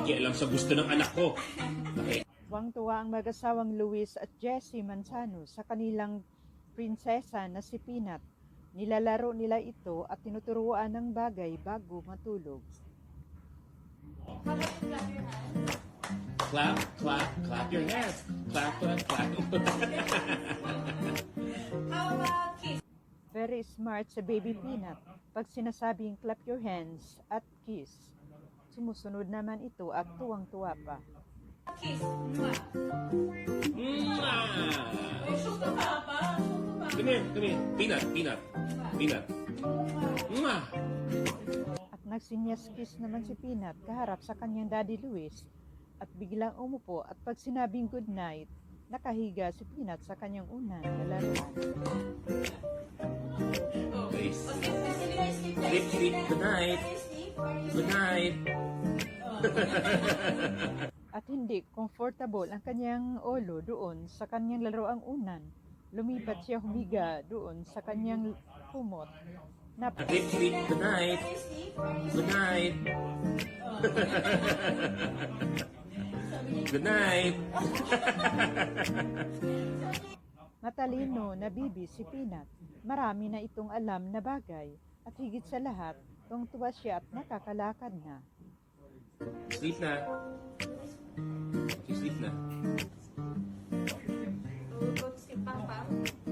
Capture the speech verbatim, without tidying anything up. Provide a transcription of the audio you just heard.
pakialam sa gusto ng anak ko. Okay. Tuwang-tuwa ang mag-asawang Luis at Jessie Manzano sa kanilang prinsesa na si Peanut. Nilalaro nila ito at tinuturuan ng bagay bago matulog. Clap, clap, clap your hands. Clap, clap, clap. How about kiss? Very smart sa baby Peanut. Pag sinasabing clap your hands at kiss, sumusunod naman ito at tuwang-tuwa pa. Kiss. Mwah. Mwah! Uy, suka ka pa. Suka pa. Come here, come here. Peanut, peanut, peanut. Mwah! At nagsinyas-kiss naman si Peanut kaharap sa kanyang Daddy Luis at biglang umupo at pag sinabing good night, nakahiga si Peanut sa kanyang unang lalaruan. Nice. Okay, sige na, sleep na. Sleep, sleep. Good night. Sleep. Good night. At hindi comfortable ang kanyang ulo doon sa kanyang laruang unan. Lumipat siya humiga doon sa kanyang kumot. Na Sleep, sleep. Good night. Sleep. Good night. Good night. matalino na bibi si Peanut. Marami na itong alam na bagay at higit sa lahat, tuwang-tuwa siya at nakakalakad na. Sleep na. Okay, sleep na. Tulog si Papa.